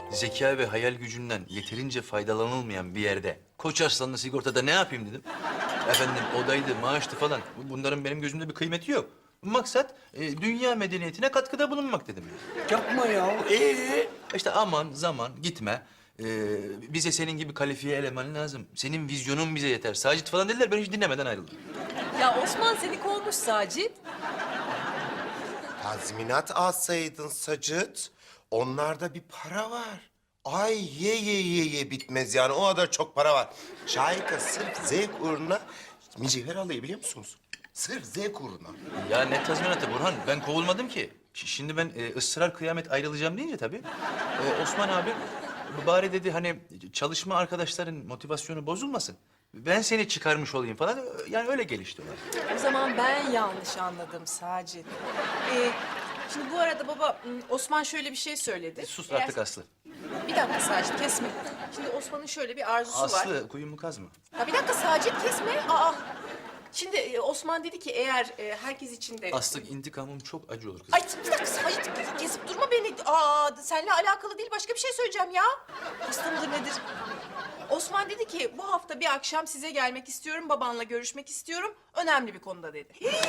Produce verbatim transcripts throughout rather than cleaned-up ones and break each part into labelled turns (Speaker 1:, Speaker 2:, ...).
Speaker 1: zeka ve hayal gücünden yeterince faydalanılmayan bir yerde Koç Arslan'la sigortada ne yapayım dedim. Efendim odaydı, maaştı falan. Bunların benim gözümde bir kıymeti yok. Maksat e, dünya medeniyetine katkıda bulunmak dedim.
Speaker 2: Yapma ya. Ee?
Speaker 1: İşte aman zaman gitme. Ee, bize senin gibi kalifiye eleman lazım. Senin vizyonun bize yeter. Sacit falan dediler, ben hiç dinlemeden ayrıldım.
Speaker 3: Ya Osman seni kovmuş Sacit.
Speaker 4: Tazminat alsaydın Sacıt. Onlarda bir para var. Ay ye ye ye ye bitmez yani. O kadar çok para var. Şahika sırf zevk uğruna mücevher alıyor biliyor musunuz? Sırf zevk uğruna.
Speaker 1: Ya ne tazminatı Burhan? Ben kovulmadım ki. Ş- Şimdi ben e, ısrar kıyamet ayrılacağım deyince tabii. e, Osman abi bari dedi hani çalışma arkadaşların motivasyonu bozulmasın. Ben seni çıkarmış olayım falan. Yani öyle gelişti olay.
Speaker 3: O zaman ben yanlış anladım Sacit. Ee, şimdi bu arada baba Osman şöyle bir şey söyledi.
Speaker 1: Sus
Speaker 3: Eğer-
Speaker 1: artık Aslı.
Speaker 3: Bir dakika Sacit kesme. Şimdi Osman'ın şöyle bir arzusu var.
Speaker 1: Aslı kuyumu kazma.
Speaker 3: Ya bir dakika Sacit kesme. Aa. Şimdi e, Osman dedi ki eğer e, herkes için de...
Speaker 1: Aslı intikamım çok acı olur kızım.
Speaker 3: Ay bir dakika Sacit kesip durma beni. Aa seninle alakalı değil başka bir şey söyleyeceğim ya. Hasta mıdır nedir? Osman dedi ki bu hafta bir akşam size gelmek istiyorum, babanla görüşmek istiyorum. Önemli bir konuda dedi.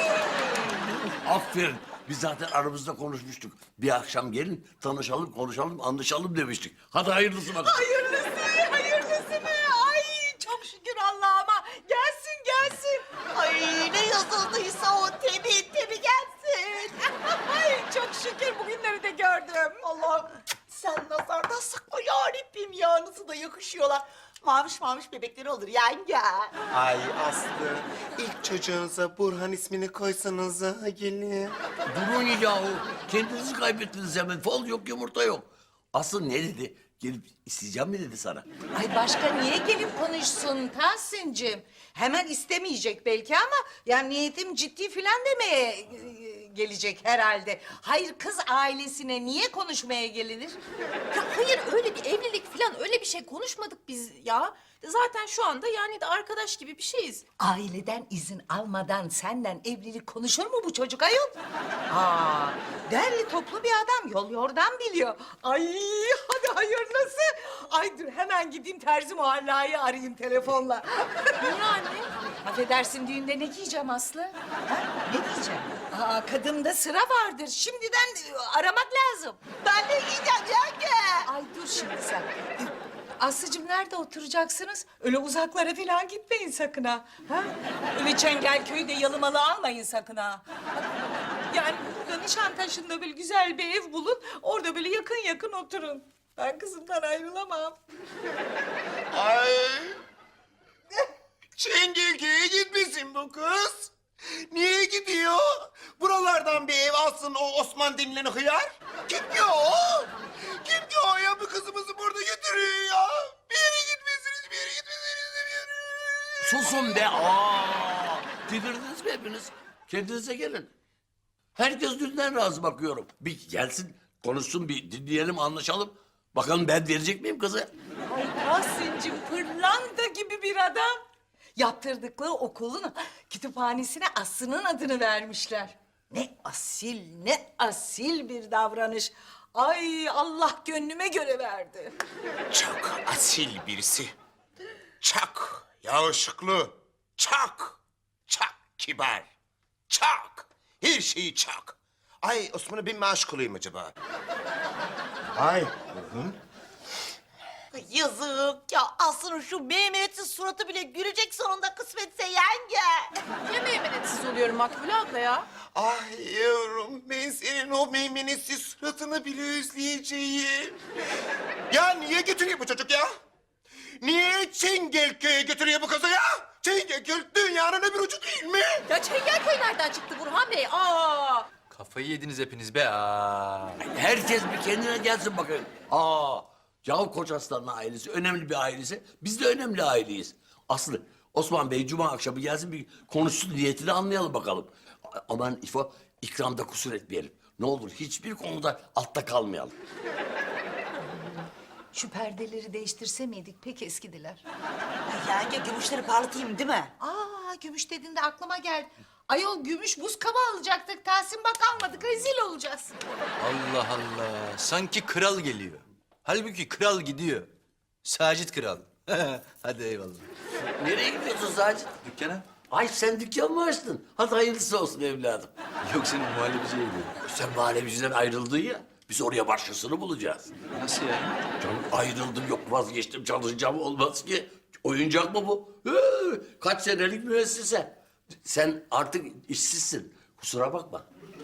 Speaker 2: Aferin. Biz zaten aramızda konuşmuştuk. Bir akşam gelin, tanışalım, konuşalım, anlaşalım demiştik. Hadi hayırlısı bakalım.
Speaker 3: Hayırlısı, hayırlısı mı? Ay çok şükür Allah'ıma. Gelsin, gelsin. Ay ne yazıldıysa o tebi tebi gelsin. Ay çok şükür bugünleri de gördüm.
Speaker 5: Allah'ım sen nazardan sakla yarabbim ya nasıl da yakışıyorlar. Maviş maviş bebekleri olur yenge.
Speaker 4: Ay Aslı, ilk çocuğunuza Burhan ismini koysanız ha gelin.
Speaker 2: Durun yahu. Kendinizi kaybettiniz hemen. Fol yok, yumurta yok. Aslı ne dedi? Gelip isteyeceğim mi dedi sana?
Speaker 5: Ay başka niye gelip konuşsun Tahsin'cim? Hemen istemeyecek belki ama yani niyetim ciddi filan demeye e, gelecek herhalde. Hayır kız ailesine niye konuşmaya gelinir?
Speaker 3: Ya hayır öyle bir evlilik falan öyle bir şey konuşmadık biz ya. Zaten şu anda yani de arkadaş gibi bir şeyiz.
Speaker 5: Aileden izin almadan senden evlilik konuşur mu bu çocuk ayol? Aa, derli toplu bir adam yol yordan biliyor. Ay hadi hayırlısı. Ay dur hemen gideyim Terzi Muhalla'yı arayayım telefonla.
Speaker 3: Niye anne?
Speaker 5: Affedersin düğünde ne giyeceğim Aslı? Ha? Ne giyeceğim? Aa, kadında sıra vardır. Şimdiden e, aramak lazım. Ben ne giyeceğim yenge? Ay dur şimdi sen. Aslıcığım nerede oturacaksınız? Öyle uzaklara falan gitmeyin sakın ha. ha? Öyle Çengelköy'de yalımalı almayın sakın ha. Yani burada Nişantaşı'nda böyle güzel bir ev bulun. Orada böyle yakın yakın oturun. Ben kızımdan ayrılamam.
Speaker 4: Ay. Çengelköy'e gitmesin bu kız. Niye gidiyor? Buralardan bir ev alsın o Osman denilen hıyar. Kim ki o? Kim ki o ya? Bu kızımızı burada götürüyor ya. Bir yere gitmesiniz, bir yere gitmesiniz, bir yere.
Speaker 2: Susun be. Aa! Delirdiniz mi hepiniz? Kendinize gelin. Herkes dünden razı bakıyorum. Bir gelsin, konuşsun, bir dinleyelim, anlaşalım. Bakalım ben verecek miyim kızı?
Speaker 5: Ay Tahsin'cim pırlanta gibi bir adam. Yaptırdıkları okulun kütüphanesine Aslı'nın adını vermişler. Ne asil, ne asil bir davranış. Ay Allah gönlüme göre verdi.
Speaker 4: Çok asil birisi. Çok yakışıklı. Çok, çok kibar. Çok. Her şeyi çok. Ay Osman'a ben mi aşık olayım acaba? Ay. Hı hı.
Speaker 5: Yazık ya Aslı'nın şu meymenetsiz suratı bile gülecek sonunda kısmetse yenge.
Speaker 3: Niye meymenetsiz oluyorum Makbule abla ya?
Speaker 4: Ay yavrum ben senin o meymenetsiz suratını bile özleyeceğim. Ya niye götürüyor bu çocuk ya? Niye Çengelköy'e götürüyor bu kızı ya? Çengelköy dünyanın öbür ucu değil mi?
Speaker 3: Ya Çengelköy nereden çıktı Burhan Bey? Aa!
Speaker 1: Kafayı yediniz hepiniz be. Aa.
Speaker 2: Herkes bir kendine gelsin bakayım. Aa! Yahu Koç Arslan'ın ailesi önemli bir ailesi. Biz de önemli aileyiz. Aslı, Osman Bey cuma akşamı gelsin bir konuşsun niyetini anlayalım bakalım. A- Aman İfo, ikramda kusur etmeyelim. Ne olur hiçbir konuda altta kalmayalım.
Speaker 5: Şu perdeleri değiştirse miydik? Pek eskidiler.
Speaker 6: Yenge gümüşleri parlatayım değil mi?
Speaker 5: Aa gümüş dediğinde aklıma geldi. Ayol gümüş buz kaba alacaktık. Tahsin bak almadık. Rezil olacağız.
Speaker 1: Allah Allah. Sanki kral geliyor. Halbuki kral gidiyor. Sacit kral. Hadi eyvallah.
Speaker 2: Nereye gidiyorsun Sacit?
Speaker 1: Dükkana?
Speaker 2: Ay sen dükkan mı açtın? Hadi hayırlısı olsun evladım.
Speaker 1: Yok senin muhallebiciye gidiyorum.
Speaker 2: Sen muhallebiciden ayrıldın ya. Biz oraya başkasını bulacağız.
Speaker 1: Nasıl yani?
Speaker 2: Canım ayrıldım yok vazgeçtim çalışacağım olmaz ki. Oyuncak mı bu? Hı, kaç senelik müessese. Sen artık işsizsin. Kusura bakma.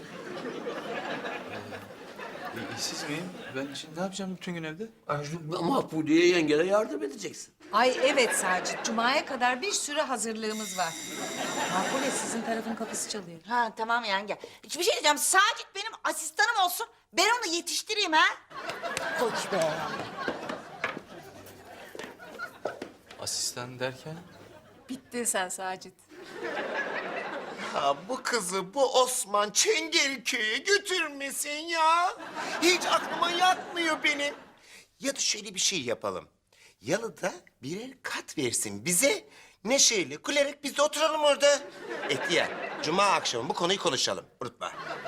Speaker 1: E, işsiz miyim? Ben şimdi ne yapacağım bütün gün evde?
Speaker 2: Mahfudiye yengene yardım edeceksin.
Speaker 5: Ay evet Sacit, Cuma'ya kadar bir sürü hazırlığımız var. Makbule sizin tarafın kapısı çalıyor.
Speaker 6: Ha tamam yenge. Hiçbir şey diyeceğim. Sacit benim asistanım olsun. Ben onu yetiştireyim ha. Koç be.
Speaker 1: Asistan derken?
Speaker 5: Bittin sen Sacit.
Speaker 4: Ha, bu kızı bu Osman Çengelköy'e götürmesin ya. Hiç aklıma yatmıyor benim. Ya da şöyle bir şey yapalım. Yalıda birer kat versin bize. Neşeyle, gülerek biz de oturalım orada. Etiyar, cuma akşamı bu konuyu konuşalım. Unutma.